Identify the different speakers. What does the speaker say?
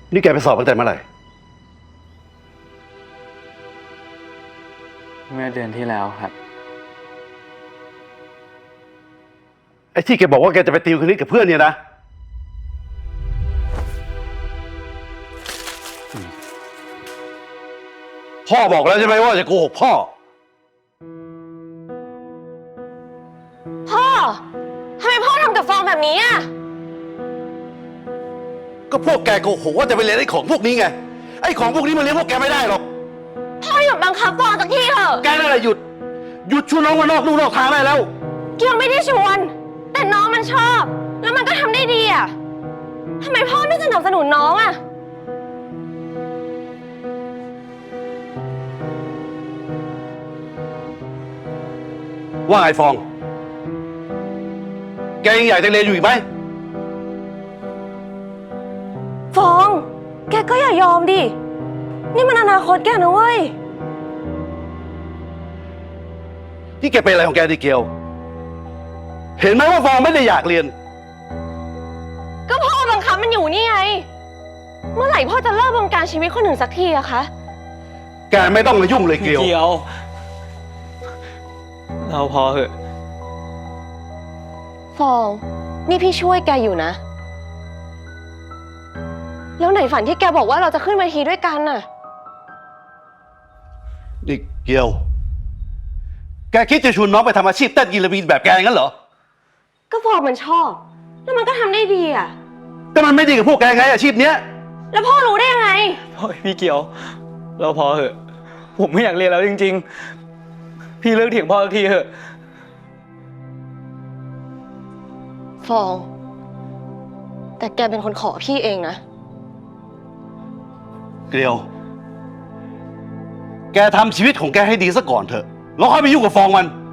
Speaker 1: นี่แกไปสอบตั้งแต่เมื่อไหร่
Speaker 2: เมื่อเดือนที่แล้วครับ
Speaker 1: ไอ้ที่แกบอกว่าแกจะไปติวคณิตกับเพื่อนเนี่ยนะพ่อบอกแล้วใช่ไหมว่าจะโกหกพ่อ
Speaker 3: พ่อทำไมพ่อทำกับฟองแบบนี้อ่ะ
Speaker 1: ก็พวกแกโกหกว่าจะไปเรียนไอ้ของพวกนี้ไงไอ้ของพวกนี้มันเลี้ยงพวกแกไม่ได้หรอก
Speaker 3: พ่อหยุดบังคับฟองสักทีเถอะ
Speaker 1: แกนั่นแหละหยุดชวนน้องมานอกลู่นอกทางได้แล้ว
Speaker 3: เกียวไม่ได้ชวนแต่น้องมันชอบแล้วมันก็ทำได้ดีอ่ะทำไมพ่อไม่สนับสนุนน้องอ่ะ
Speaker 1: ว่าไงฟองแกยังอยากจะเรียนอยู่อีกไหม
Speaker 3: ฟองแกก็อย่ายอมดินี่มันอนาคตแกนะเว้ย
Speaker 1: ที่แกเป็นอะไรของแกดิเกียวเห็นไหมว่าฟองไม่ได้อยากเรียน
Speaker 3: ก็พ่อบังคับมันอยู่นี่ไงเมื่อไหร่พ่อจะเลิกบงการชีวิตคนอื่นสักทีอะคะ
Speaker 1: แกไม่ต้องมายุ่งเลยเกียว
Speaker 2: เราพอเหอะ
Speaker 3: ฟองนี่พี่ช่วยแกอยู่นะแล้วไหนฝันที่แกบอกว่าเราจะขึ้นเวทีด้วยกันน่ะ
Speaker 1: นี่เกียวแกคิดจะชวนน้องไปทำอาชีพเต้นกีฬาบินแบบแกงั้นเหรอ
Speaker 3: ก็ฟองมันชอบแล้วมันก็ทำได้ดีอะ
Speaker 1: แต่มันไม่ดีกับพวกแกไงอาชีพเนี้ย
Speaker 3: แล้วพ่อรู้ได้ยังไง
Speaker 2: พี่เกียวเราพอเหอะผมไม่อยากเรียนแล้วจริงๆพี่เลิกเถียงพ่อสักทีเหอะ
Speaker 3: ฟองแต่แกเป็นคนขอพี่เองนะ
Speaker 1: เกียวแกทำชีวิตของแกให้ดีซะก่อนเถอะแล้วค่อยไปยุ่งกับฟองมัน